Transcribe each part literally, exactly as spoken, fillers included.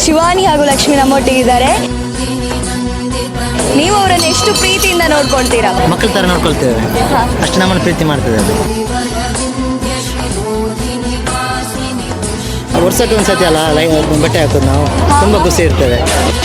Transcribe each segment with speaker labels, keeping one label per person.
Speaker 1: ಶಿವಾನಿ ಹಾಗೂ ಲಕ್ಷ್ಮಿ ನಮ್ಮೊಟ್ಟಿಗಿದ್ದಾರೆ. ನೀವು ಅವರನ್ನು ಎಷ್ಟು ಪ್ರೀತಿಯಿಂದ ನೋಡ್ಕೊಳ್ತೀರಾ?
Speaker 2: ಮಕ್ಕಳ ಥರ ನೋಡ್ಕೊಳ್ತೇವೆ, ಅಷ್ಟು ನಮ್ಮನ್ನು ಪ್ರೀತಿ ಮಾಡ್ತದೆ. ಅದು ವರ್ಷಕ್ಕೆ ಒಂದು ಸತಿ ಅಲ್ಲ ಲೈ ಬಟ್ಟೆ ಹಾಕೋದು, ನಾವು ತುಂಬ ಖುಷಿ ಇರ್ತದೆ.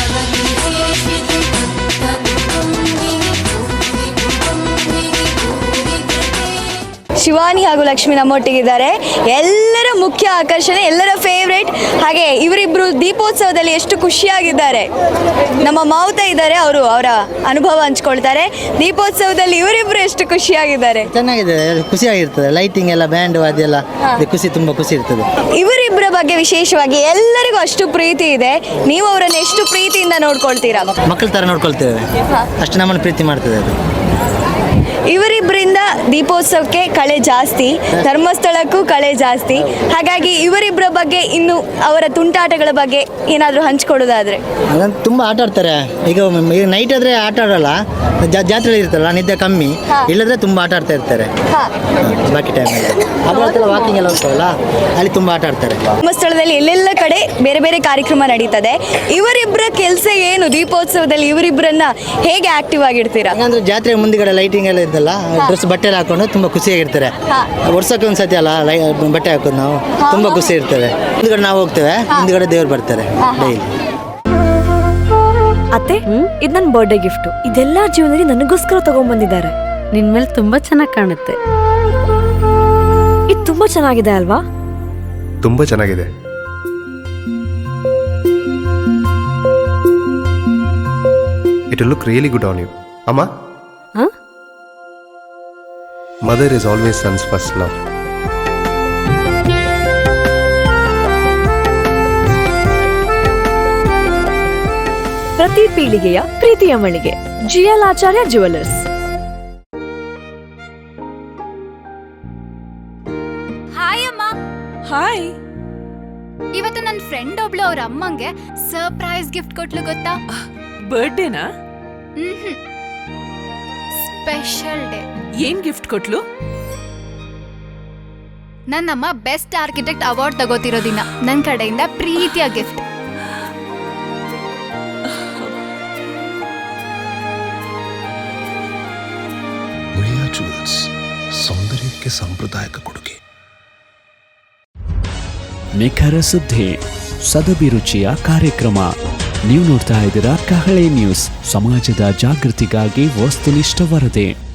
Speaker 1: ಶಿವಾನಿ ಹಾಗೂ ಲಕ್ಷ್ಮಿ ನಮ್ಮೊಟ್ಟಿಗಿದ್ದಾರೆ. ಎಲ್ಲರ ಮುಖ್ಯ ಆಕರ್ಷಣೆ, ಎಲ್ಲರ ಫೇವ್ರೇಟ್. ಹಾಗೆ ಇವರಿಬ್ರು ದೀಪೋತ್ಸವದಲ್ಲಿ ಎಷ್ಟು ಖುಷಿಯಾಗಿದ್ದಾರೆ. ನಮ್ಮ ಮಾವುತ ಇದ್ದಾರೆ, ಅವರು ಅವರ ಅನುಭವ ಹಂಚ್ಕೊಳ್ತಾರೆ. ದೀಪೋತ್ಸವದಲ್ಲಿ ಇವರಿಬ್ರು ಎಷ್ಟು ಖುಷಿಯಾಗಿದ್ದಾರೆ.
Speaker 2: ಚೆನ್ನಾಗಿದೆ, ಖುಷಿಯಾಗಿರ್ತದೆ. ಲೈಟಿಂಗ್ ಎಲ್ಲ, ಬ್ಯಾಂಡು ಅದೆಲ್ಲ ಖುಷಿ, ತುಂಬ ಖುಷಿ ಇರ್ತದೆ.
Speaker 1: ಇವರಿಬ್ಬರ ಬಗ್ಗೆ ವಿಶೇಷವಾಗಿ ಎಲ್ಲರಿಗೂ ಅಷ್ಟು ಪ್ರೀತಿ ಇದೆ. ನೀವು ಅವರನ್ನು ಎಷ್ಟು ಪ್ರೀತಿಯಿಂದ ನೋಡ್ಕೊಳ್ತೀರಾ?
Speaker 2: ಮಕ್ಕಳ ಥರ ನೋಡ್ಕೊಳ್ತೇವೆ, ಅಷ್ಟು ನಮ್ಮನ್ನು ಪ್ರೀತಿ ಮಾಡ್ತದೆ ಅದು.
Speaker 1: ಇವರಿಬ್ಬರಿಂದ ದೀಪೋತ್ಸವಕ್ಕೆ ಕಳೆ ಜಾಸ್ತಿ, ಧರ್ಮಸ್ಥಳಕ್ಕೂ ಕಳೆ ಜಾಸ್ತಿ. ಹಾಗಾಗಿ ಇವರಿಬ್ಬರ ಬಗ್ಗೆ, ಇನ್ನು ಅವರ ತುಂಟಾಟಗಳ ಬಗ್ಗೆ ಏನಾದರೂ ಹಂಚ್ಕೊಡೋದಾದ್ರೆ?
Speaker 2: ಅದನ್ನು ತುಂಬ ಆಟ ಆಡ್ತಾರೆ. ಈಗ ಈಗ ನೈಟ್ ಆದರೆ ಆಟ ಆಡೋಲ್ಲ, ಜಾತ್ರೆ ಇರ್ತಲ್ಲ, ನಿದ್ದೆ ಕಮ್ಮಿ. ಇಲ್ಲದ್ರೆ ತುಂಬ ಆಟ ಆಡ್ತಾ ಇರ್ತಾರೆ ಬಾಕಿ ಟೈಮಲ್ಲಿ. ಅದ್ರ ವಾಕಿಂಗ್ ಎಲ್ಲ ಹೋಗ್ತಾವಲ್ಲ, ಅಲ್ಲಿ ತುಂಬ ಆಟ ಆಡ್ತಾರೆ.
Speaker 1: ಧರ್ಮಸ್ಥಳದಲ್ಲಿ ಎಲ್ಲೆಲ್ಲ ಕಡೆ ಬೇರೆ ಬೇರೆ ಕಾರ್ಯಕ್ರಮ ನಡೀತದೆ. ಇವರಿಬ್ಬರ ಕೆಲಸ ಏನು? ದೀಪೋತ್ಸವದಲ್ಲಿ ಇವರಿಬ್ಬರನ್ನ ಹೇಗೆ ಆಕ್ಟಿವ್ ಆಗಿರ್ತೀರಾ?
Speaker 2: ಯಾಕಂದ್ರೆ ಜಾತ್ರೆ ಮುಂದಿಗಡೆ ಲೈಟಿಂಗ್ ಎಲ್ಲ ಇದ್ದಲ್ಲ, ಡ್ರೆಸ್ ಬಟ್ಟೆ ಎಲ್ಲ ಹಾಕೊಂಡು ತುಂಬ ಖುಷಿಯಾಗಿರ್ತಾರೆ. ವರ್ಷಕ್ಕೆ ಒಂದು ಸತಿ ಅಲ್ಲ ಲೈ ಬಟ್ಟೆ ಹಾಕೋದು, ನಾವು ತುಂಬ ಖುಷಿ ಇರ್ತದೆ. ಮುಂದ್ಗಡೆ ನಾವು ಹೋಗ್ತೇವೆ, ಮುಂದ್ಗಡೆ ದೇವ್ರು ಬರ್ತಾರೆ ಡೈಲಿ.
Speaker 3: ಅತ್ತೆ, ಇದು ನನ್ನ ಬರ್ಡೇ ಗಿಫ್ಟ್. ಇದೆಲ್ಲ ಜೀವನದಲ್ಲಿ ನನಗೋಸ್ಕರ ತಗೊಂಡ್ಬಂದಿದ್ದಾರೆ.
Speaker 4: ನಿನ್ ಮೇಲೆ ತುಂಬಾ ಚೆನ್ನಾಗಿ ಕಾಣುತ್ತೆ.
Speaker 3: ಇದು ತುಂಬಾ ಚೆನ್ನಾಗಿದೆ ಅಲ್ವಾ?
Speaker 5: ತುಂಬಾ ಚೆನ್ನಾಗಿದೆ. It will look really good on you. ಅಮ್ಮ, mother is always sons first love.
Speaker 3: ಪ್ರತಿ ಪೀಳಿಗೆಯ ಪ್ರೀತಿಯ ಮಳಿಗೆ ಜಿಎಲ್ ಆಚಾರ್ಯ ಜುವೆಲ್ಲರ್ಸ್.
Speaker 6: ಹಾಯ್ ಅಮ್ಮ.
Speaker 3: ಹಾಯ್.
Speaker 6: ಇವತ್ತು ನನ್ನ ಫ್ರೆಂಡ್ ಒಬ್ಳು ಅವ್ರ ಅಮ್ಮಂಗೆ ಸರ್ಪ್ರೈಸ್ ಗಿಫ್ಟ್ ಕೊಟ್ಲು, ಗೊತ್ತಾ?
Speaker 7: ಬರ್ಡೇನಾ?
Speaker 6: ಹ್ಮ್, ಸ್ಪೆಷಲ್ ಡೇ.
Speaker 7: ಏನ್ ಗಿಫ್ಟ್ ಕೊಟ್ಲು?
Speaker 6: ನನ್ನಮ್ಮ ಬೆಸ್ಟ್ ಆರ್ಕಿಟೆಕ್ಟ್ ಅವಾರ್ಡ್ ತಗೋತಿರೋ ದಿನ ನನ್ನ ಕಡೆಯಿಂದ ಪ್ರೀತಿಯ ಗಿಫ್ಟ್.
Speaker 8: ಮುಳಿಯಾ ಜುವೆಲ್ಸ್, ಸೌಂದರ್ಯಕ್ಕೆ ಸಾಂಪ್ರದಾಯಿಕ ಕೊಡುಗೆ.
Speaker 9: ನಿಖರ ಸುದ್ದಿ, ಸದಭಿರುಚಿಯ ಕಾರ್ಯಕ್ರಮ. ನೀವು ನೋಡ್ತಾ ಇದ್ದೀರಾ ಕಹಳೆ ನ್ಯೂಸ್, ಸಮಾಜದ ಜಾಗೃತಿಗಾಗಿ ವಸ್ತುನಿಷ್ಠ ವರದಿ.